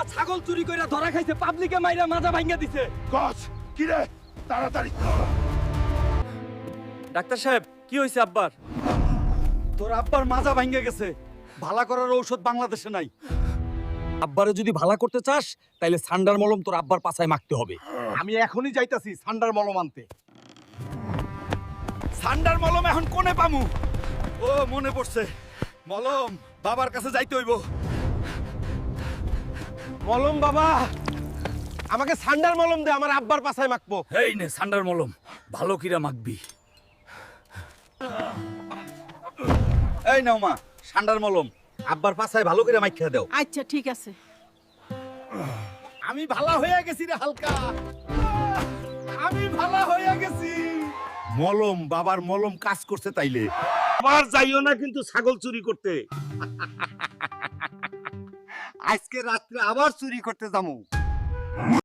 ছাগল চুরি কইরা ধরা খাইছে, পাবলিকে মাইরা মাজা ভাঙা দিছে। কস কি রে, তাড়াতাড়ি ডাক্তার সাহেব, কি হইছে আব্বার? তোর আব্বার মাজা ভাঙা গেছে। ভালা করার ঔষধ বাংলাদেশে নাই। আব্বারে যদি ভালা করতে চাস তাইলে সান্ডার মলম তোর আব্বার পাছায় মাখতে হবে। আমি এখনই যাইতাছি সান্ডার মলম আনতে। সান্ডার মলম এখন কোনে পামু? ও মনে পড়ছে, মলম বাবার কাছে যাইতে হইব। মলম বাবা, আমাকে সান্ডার মলম দে, আমার আব্বার পাছায় মাখবো। এই নে সান্ডার মলম, ভালো কিরা মাখবি। এই নাও মা, সান্ডার মলম আব্বার পাছায় ভালো করে মাইখা দাও। আচ্ছা ঠিক আছে। আমি ভালা হয়ে গেছি রে হালকা, আমি ভালা হয়ে গেছি। মলম, বাবার মলম কাজ করছে তাইলে। আবার যাইও না কিন্তু ছাগল চুরি করতে। আজকে রাত্রে আবার চুরি করতে যাবো।